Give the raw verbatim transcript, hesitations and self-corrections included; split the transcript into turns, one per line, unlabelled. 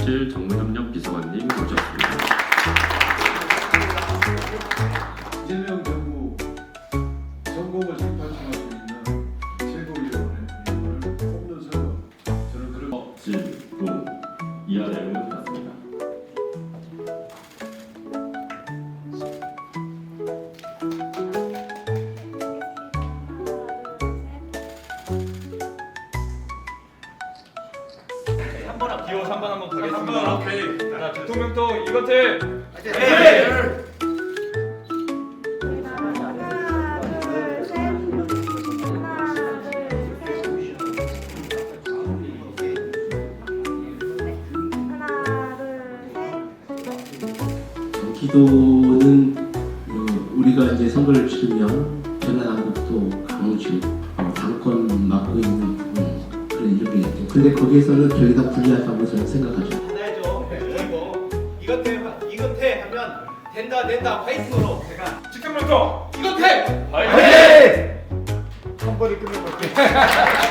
이순실 정무협력 비서관님 모셨습니다.
이재명 정부 전공을 재판청할 수 있는 최고위원회 이름을 뽑는 선거 저는 그런
어, 질문 이하 내용은 같습니다.
기호 삼 번 한번 가겠습니다.
삼 번 오케이.
자, 대통령도 이것을
네.
기도는 어, 우리가 이제 선거를 치르면 전라남북도 강주 어, 당권 맡고 있는 음, 그런 이름이겠죠. 근데 거기에서는 저희가 불리하다고 저는 생각하죠.
하나죠. 그리고 이것 해 이것 해 하면 된다 된다 파이팅으로 제가
지금부터
이것 해.
화이팅!
한 번에 끝내볼게요.